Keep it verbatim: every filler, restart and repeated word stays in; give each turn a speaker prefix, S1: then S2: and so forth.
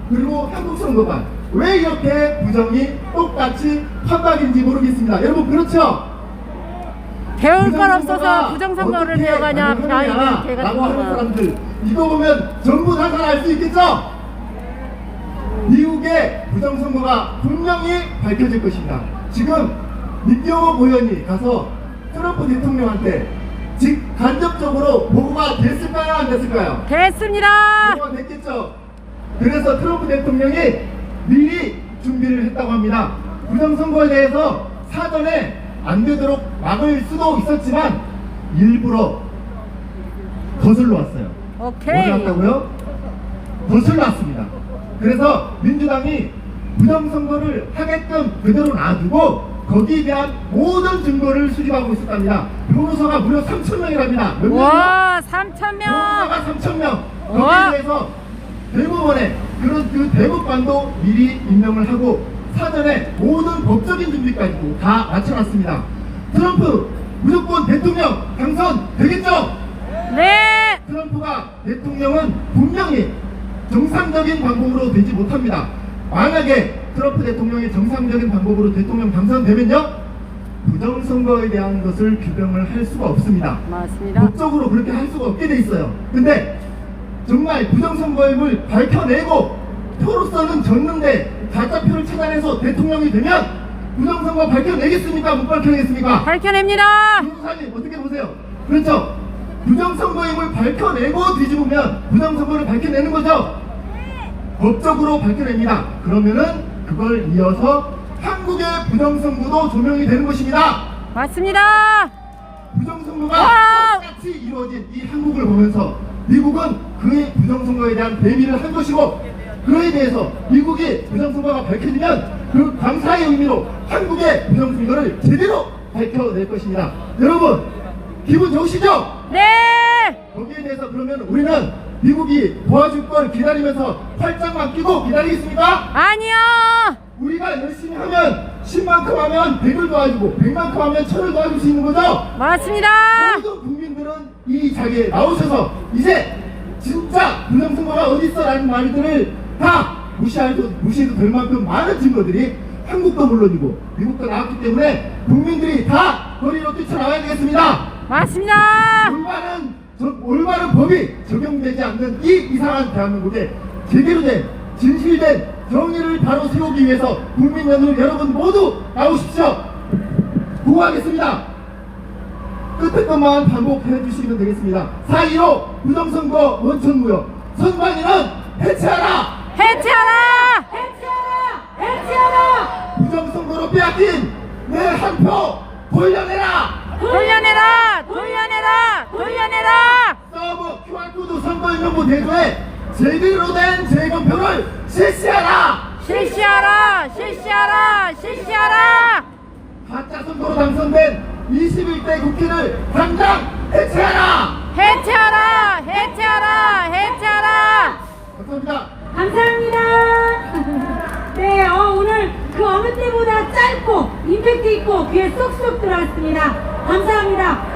S1: 그리고 한국 선거관 왜 이렇게 부정이 똑같이 판박인지 모르겠습니다. 여러분 그렇죠?
S2: 배울 건 없어서 부정선거를 배워가냐 벼이는 개가
S1: 라고 하는
S2: 되구나.
S1: 사람들 이거 보면 전부 다 잘 알 수 있겠죠? 미국의 부정선거가 분명히 밝혀질 것입니다. 지금 민경호 의원이 가서 트럼프 대통령한테 직 간접적으로 보고가 됐을까요? 안 됐을까요?
S2: 됐습니다.
S1: 보고가 됐겠죠? 그래서 트럼프 대통령이 미리 준비를 했다고 합니다. 부정선거에 대해서 사전에 안 되도록 막을 수도 있었지만 일부러 거슬러 왔어요.
S2: 오케이.
S1: 뭐 했다고요? 거슬러 왔습니다. 그래서 민주당이 부정선거를 하게끔 그대로 놔두고 거기에 대한 모든 증거를 수집하고 있었답니다. 변호사가 무려 삼천 명이랍니다. 몇 명이요?
S2: 와, 삼천 명.
S1: 변호사가 삼천 명.
S2: 와.
S1: 거기에 대해서 대법원에 그런 그 대법관도 미리 임명을 하고 사전에 모든 법적인 준비까지도 다 마쳐놨습니다. 트럼프 무조건 대통령 당선 되겠죠?
S2: 네.
S1: 트럼프가 대통령은 분명히 정상적인 방법으로 되지 못합니다. 만약에 트럼프 대통령이 정상적인 방법으로 대통령 당선되면요, 부정선거에 대한 것을 규정을 할 수가 없습니다.
S2: 맞습니다.
S1: 법적으로 그렇게 할 수가 없게 돼 있어요. 근데 정말 부정선거임을 밝혀내고 표로서는 졌는데 가짜표를 찾아내서 대통령이 되면 부정선거 밝혀내겠습니까? 못 밝혀내겠습니까?
S2: 밝혀냅니다.
S1: 변호사님 어떻게 보세요? 그렇죠? 부정선거임을 밝혀내고 뒤집으면 부정선거를 밝혀내는 거죠? 법적으로 밝혀냅니다. 그러면은 그걸 이어서 한국의 부정선거도 조명이 되는 것입니다.
S2: 맞습니다.
S1: 부정선거가
S2: 와우!
S1: 똑같이 이루어진 이 한국을 보면서 미국은 그의 부정선거에 대한 대비를 한 것이고, 그에 대해서 미국이 부정선거가 밝혀지면 그 감사의 의미로 한국의 부정선거를 제대로 밝혀낼 것입니다. 여러분 기분 좋으시죠?
S2: 네.
S1: 거기에 대해서 그러면 우리는 미국이 도와줄 걸 기다리면서 팔짱만 끼고 기다리겠습니까?
S2: 아니요.
S1: 우리가 열심히 하면 십만큼 하면 백을 도와주고 백만큼 하면 천을 도와줄 수 있는 거죠?
S2: 맞습니다.
S1: 모든 국민들은 이 자리에 나오셔서 이제 진짜 부정선거가 어딨어 라는 말들을 다 무시해도, 무시해도 될 만큼 많은 증거들이 한국도 물론이고 미국도 나왔기 때문에 국민들이 다 거리로 뛰쳐나와야 되겠습니다.
S2: 맞습니다.
S1: 올바른, 저, 올바른 법이 적용되지 않는 이 이상한 대한민국에 제대로 된 진실된 정의를 바로 세우기 위해서 국민 여러분 모두 나오십시오. 구호하겠습니다. 끝에 것만 반복해 주시면 되겠습니다. 사 일오 부정선거 원천무효, 선관위는 해체하라!
S2: 해체하라.
S3: 해체하라! 해체하라!
S1: 부정선거로 빼앗긴 내 한 표 돌려내라!
S2: 돌려내라. 돌려내라. 돌려내라.
S1: 서버 큐알코드 선거인명부 대조에 제대로 된 재검표를 실시하라!
S2: 실시하라. 실시하라. 실시하라.
S1: 가짜 선거로 당선된 이십일 대 국회를 당장 해체하라!
S2: 해체하라. 해체하라. 해체하라.
S1: 감사합니다.
S3: 감사합니다. 네, 어, 오늘 그 어느 때보다 짧고 임팩트 있고 귀에 쏙쏙 들어왔습니다. 감사합니다.